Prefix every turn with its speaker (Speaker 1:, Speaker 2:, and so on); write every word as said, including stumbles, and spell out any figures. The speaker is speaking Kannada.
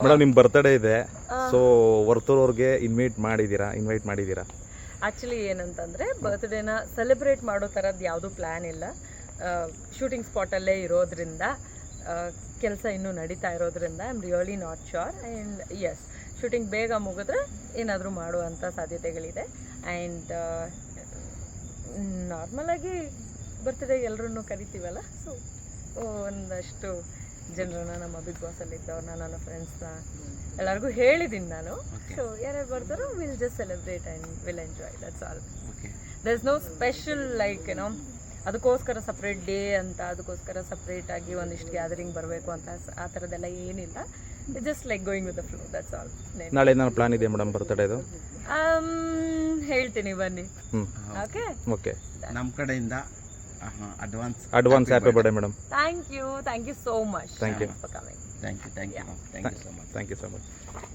Speaker 1: ಮೇಡಮ್ ನಿಮ್ಮ ಬರ್ತ್ಡೇ ಇದೆ, ಸೊ ವರ್ತೂರವ್ರಿಗೆ ಇನ್ವೈಟ್ ಮಾಡಿದ್ದೀರಾ ಇನ್ವೈಟ್ ಮಾಡಿದ್ದೀರಾ
Speaker 2: ಆ್ಯಕ್ಚುಲಿ ಏನಂತಂದರೆ ಬರ್ತ್ಡೇನ ಸೆಲೆಬ್ರೇಟ್ ಮಾಡೋ ಥರದ್ದು ಯಾವುದೂ ಪ್ಲ್ಯಾನ್ ಇಲ್ಲ. ಶೂಟಿಂಗ್ ಸ್ಪಾಟಲ್ಲೇ ಇರೋದ್ರಿಂದ, ಕೆಲಸ ಇನ್ನೂ ನಡೀತಾ ಇರೋದ್ರಿಂದ I am really not sure. And yes, shooting ಬೇಗ ಮುಗಿದ್ರೆ ಏನಾದರೂ ಮಾಡುವಂಥ ಸಾಧ್ಯತೆಗಳಿದೆ. ಆ್ಯಂಡ್ ನಾರ್ಮಲಾಗಿ ಬರ್ತ್ಡೇ ಎಲ್ಲರನ್ನೂ ಕರಿತೀವಲ್ಲ, ಸೊ ಒಂದಷ್ಟು ಜನರನ್ನ ನಮ್ಮ ಬಿಗ್ ಬಾಸಲ್ಲಿ ಇದ್ದವ್ರನ್ನ, ನನ್ನ ಫ್ರೆಂಡ್ಸ್ನ ಎಲ್ಲರಿಗೂ ಹೇಳಿದ್ದೀನಿ ನಾನು. ಸೊ ಯಾರ್ಯಾರು ಬರ್ತಾರೋ will just celebrate and will enjoy, that's all. There is no special like ಏನೋ ಅದಕ್ಕೋಸ್ಕರ ಸಪ್ರೇಟ್ ಡೇ ಅಂತ, ಅದಕ್ಕೋಸ್ಕರ ಸಪ್ರೇಟ್ ಆಗಿ ಒಂದಿಷ್ಟು ಗ್ಯಾದರಿಂಗ್ ಬರಬೇಕು ಅಂತ ಆ ಥರದ್ದೆಲ್ಲ ಏನಿಲ್ಲ. Just like going with the flow, that's all.
Speaker 1: ನಾಳೆ ಏನಾದ್ರು ಪ್ಲಾನ್ ಇದೆ ಮೇಡಮ್ ಬರ್ತ್ಡೇದು?
Speaker 2: ಹೇಳ್ತೀನಿ ಬನ್ನಿ. ಓಕೆ
Speaker 1: ಓಕೆ,
Speaker 3: ನಮ್ಮ ಕಡೆಯಿಂದ advance
Speaker 1: advance happy birthday madam.
Speaker 2: Thank you thank you so much.
Speaker 1: Thank you.
Speaker 2: For coming.
Speaker 3: Thank you thank you thank you so much
Speaker 1: thank you so much.